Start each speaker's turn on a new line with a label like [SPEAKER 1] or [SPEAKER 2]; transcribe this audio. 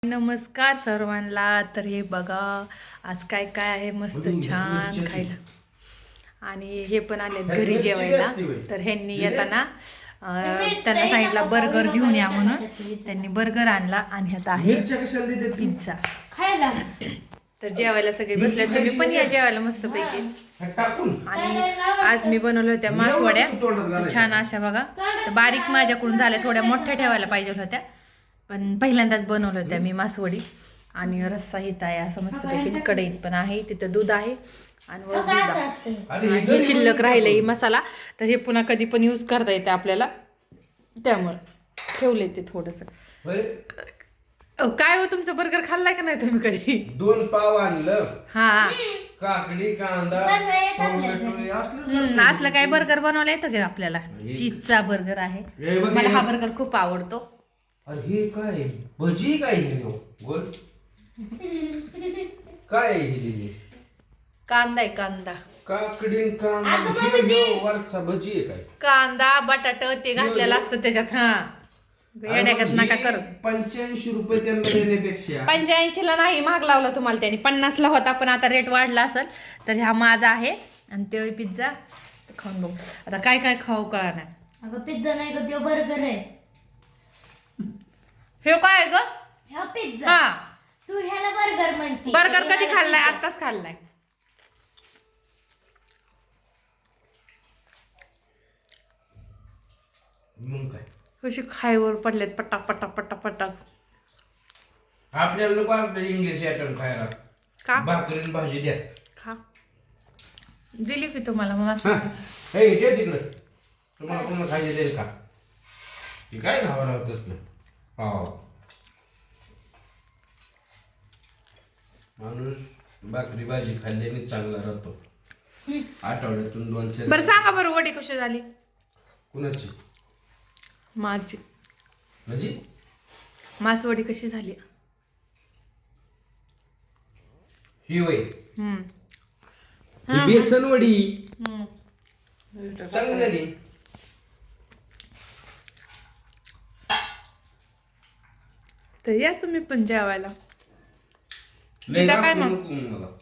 [SPEAKER 1] नमस्कार सर्वांना. तर हे बघा आज काय काय आहे मस्त छान खायला. आणि हे पण आले घरी जेवायला. तर ह्यांनी येताना त्यांना सांगितलं बर्गर घेऊन या म्हणून. त्यांनी बर्गर आणला आणि आता आहे पिझ्झा खायला. तर जेवायला सगळे बसले. तुम्ही पण या जेवायला मस्त पैकी. आणि आज मी बनवल्या होत्या मासवड्या छान अशा बघा. बारीक माझ्याकडून झाल्या, थोड्या मोठ्या ठेवायला पाहिजे होत्या पण पहिल्यांदाच बनवलं होत्या मी मासवडी. आणि रस्सा हित आहे असं मस्तपैकी. कढईत पण आहे, तिथं दूध आहे आणि हे शिल्लक राहिलंय मसाला. तर हे पुन्हा कधी पण यूज करता येते आपल्याला, त्यामुळे ठेवलंय ते थोडस. काय हो तुमचं बर्गर खाल्लाय का नाही तुम्ही कधी?
[SPEAKER 2] 2 पाव आणलं,
[SPEAKER 1] हा
[SPEAKER 2] काकडी कांदा
[SPEAKER 1] असलं काय बर्गर बनवलं येतं का आपल्याला? चीजचा बर्गर आहे, मला हा बर्गर खूप आवडतो.
[SPEAKER 2] अरे हे काय भजी काय गोल काय
[SPEAKER 1] कांदा आहे कांदा,
[SPEAKER 2] काकडी कांदा वरचा भजी आहे काय?
[SPEAKER 1] कांदा बटाट ते घातलेलं असतं त्याच्यात. हा येण्यागत नका करू.
[SPEAKER 2] 85 रुपये त्यांना देण्यापेक्षा
[SPEAKER 1] 85 ला नाही, महाग लावला तुम्हाला त्यांनी. 50 ला होता पण आता रेट वाढला असेल. तर हा माझा आहे आणि ते पिझ्झा खाऊन बघू आता काय काय खाऊ कळा नाही.
[SPEAKER 3] अगं पिझ्झा नाही ग, तो बर्गर आहे.
[SPEAKER 1] हे काय ग?
[SPEAKER 3] हा पिझ्झा.
[SPEAKER 1] हा
[SPEAKER 3] तू ह्याला बर्गर म्हणते.
[SPEAKER 1] बर्गर कधी खाल्लाय? आत्ताच खाल्लाय.
[SPEAKER 2] मग काय
[SPEAKER 1] कशी खायवर पडलेत पटा पटा पटा पटा.
[SPEAKER 2] आपल्याला नको आपलं इंग्लिश आयटम खायला.
[SPEAKER 1] का?
[SPEAKER 2] भाकरीन भाजी द्या.
[SPEAKER 1] खा, दिली की तुम्हाला मग
[SPEAKER 2] हा.
[SPEAKER 1] असं.
[SPEAKER 2] हे इथे तिकडं तुम्हाला कोणाला खायचे देईल का? ती काय खावं लागतच ना. हो माणूस भाकरी भाजी खाल्ल्याने चांगला राहतो. आठवड्यातून 2-4.
[SPEAKER 1] बरं सांगा बरं वडी कशी झाली?
[SPEAKER 2] कुणाची?
[SPEAKER 1] माझी
[SPEAKER 2] म्हणजे
[SPEAKER 1] मासवडी कशी झाली?
[SPEAKER 2] ही वय
[SPEAKER 1] हम्म
[SPEAKER 2] ही बेसन वडी
[SPEAKER 1] हम्म.
[SPEAKER 2] चांगली झाली.
[SPEAKER 1] तर या तुम्ही पण जेवायला.
[SPEAKER 2] लय
[SPEAKER 1] तिथं काय
[SPEAKER 2] दाखवू
[SPEAKER 1] मग?
[SPEAKER 2] नको मला.